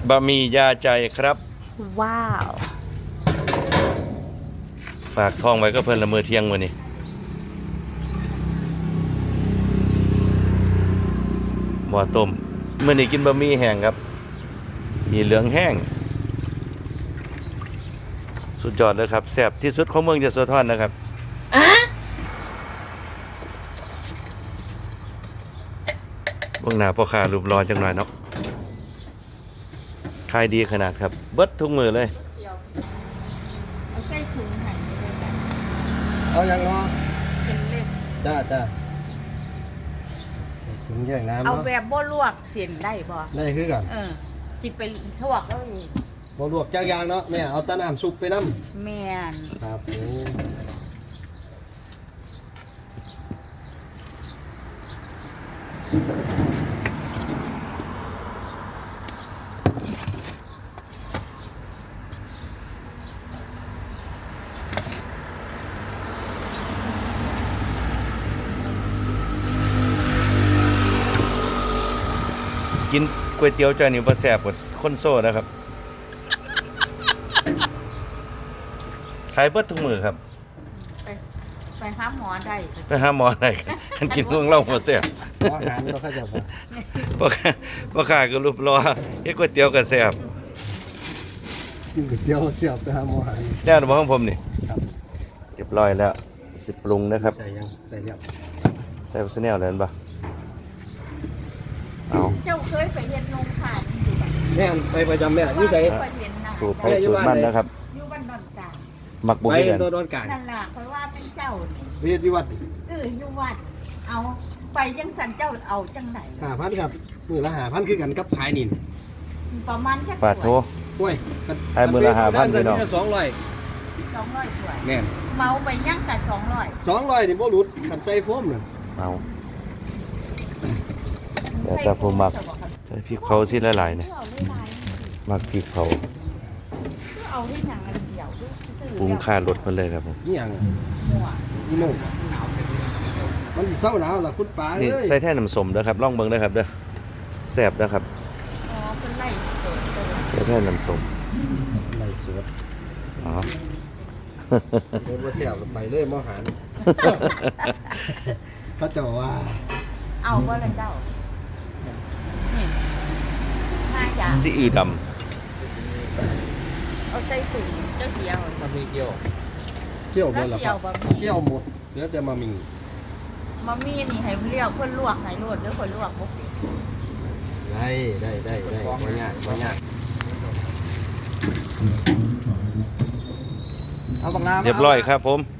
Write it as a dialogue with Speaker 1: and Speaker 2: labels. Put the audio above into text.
Speaker 1: บะหมี่ยาใจครับ
Speaker 2: ว้าว
Speaker 1: ฝากท้องไว้ก็เพิ่นละเมอเที่ยงมื้อนี้หม้อต้มมื้อนี้กินบะหมี่แห้งครับมีเหลืองแห้งสุดยอดเลยครับแซ่บที่สุดของเมืองยโสธรนะครับเบื้องหน้าพ่อค้ารูปรอจังหน่อยเนาะขายดีขนาดครับเบิดทุกมือเลย
Speaker 2: เอาใส่ถุงหั่นไปเลยจ้ะ
Speaker 3: เอาอย่างเนาะ
Speaker 2: เป็นเล็บ
Speaker 3: จ้าถึงแยกน้ำ
Speaker 2: เอา
Speaker 3: เนาะ
Speaker 2: แบบบ่ลวกเส้นได้บ่
Speaker 3: ได้คือกัน
Speaker 2: สิไปทวกแล้วอีก
Speaker 3: บ่ลวกจากอยางเนาะแม่เอาแตะน้ำซุปไปน้
Speaker 2: แม่น
Speaker 3: ำครับโอ้
Speaker 1: กินก๋วยเตี๋ยวจานนี้บ่แซ่บกว่าคนโซ่นะครับขายเบิดทุกมือครับ
Speaker 2: ไปไปหาหมอได้
Speaker 1: ไปหาหมอได้คันกินเรื่องเล่าบ่แซ่บ
Speaker 3: อาหารก็เข้าใจว่า
Speaker 1: พ่อค้าก็รูปรอเฮ็ดก๋วยเตี๋ยวก็แซ่บ
Speaker 3: กินก๋วยเตี๋ยวเสียบไปหาหมอหา
Speaker 1: แล้วบ่ของผมนี่
Speaker 3: ครับ
Speaker 1: เรียบร้อยแล้วสิปรุงนะครับ
Speaker 3: ใส่ยังใส่แล้ว
Speaker 1: ใส่ซะแนวเลยบ่เอา
Speaker 2: เจ้าเคยไปเฮ็ดนมผ่านอยู่บ่
Speaker 3: แม่นไปประจำแม่อยู่ใส่
Speaker 2: ไปเห็นนะ
Speaker 1: สูตรไปสูตรมันนะครับ
Speaker 2: อยู่บ้านดอนกลาง
Speaker 1: มักบ่
Speaker 3: ไป
Speaker 1: คือกัน
Speaker 3: ตัวโดนกลาง
Speaker 2: นั่นล่ะเพราะว่าเป็นเจ้านี่
Speaker 3: เวียดวิวัฒน์
Speaker 2: อยู่วัดเอาไปยังสันเจ้าเอาจังไหน
Speaker 3: 5,000ครับมื้อละ5,000คือกันกับขายนี่
Speaker 2: ประมาณแค่
Speaker 1: ปาดโท
Speaker 3: โอ้ย
Speaker 1: ให้มื้อละ5,000พี่น้อง
Speaker 3: 200
Speaker 2: 200ถ้วย
Speaker 3: แม่น
Speaker 2: เมาไปยังกับ200
Speaker 3: 200นี่บ่หลุดกันใส่โฟมนั่น
Speaker 1: เอาแต่ผมมักใส่พริกเผาสิหลายๆเนี่ยมักพริกเผา
Speaker 2: เอาที่หนังอันเดียวซื้อ
Speaker 1: ปรุงค่ารสเพิ่นเลยครับผม
Speaker 3: อีหยัง
Speaker 2: หัว
Speaker 3: อีโม่มันสิเศร้าหนาวล่ะคุณป๋า
Speaker 1: นี่
Speaker 3: เอ้ย
Speaker 1: ใส่แท่น้ำส้มเด้อครับลองเบิ่งเด้อครับเด้อแซ่บเด้อครับ
Speaker 2: อ๋อเป็นไล่โดดเลย
Speaker 1: ใส่แท่น้ำส้ม
Speaker 3: ไหลสวด
Speaker 1: อ๋อ
Speaker 3: เดี๋ยวบ่เสียบไปเลยมอหันเขาเจ้าว่า
Speaker 2: เอาก็เลยเจ้านี่ห้าอย่าง
Speaker 1: ซีอิ๊วดำ
Speaker 2: เอาใส่ถุงเจ้าเดียว
Speaker 3: มันมีเกี่ยวเกี่ยวหม
Speaker 2: แล้ว
Speaker 3: ดแล้ว
Speaker 2: เดี
Speaker 3: ค
Speaker 2: ยวบะหมี่
Speaker 3: รับเกี่ยวหมดเหลือแต่มามี
Speaker 2: มะมี่นี่ให้เรียกเพื่อนลวกให้ลวดหรือคนลวกบุก
Speaker 3: ได้บ่ยากเอาบักน้ำ
Speaker 1: เรียบร้อยครับผม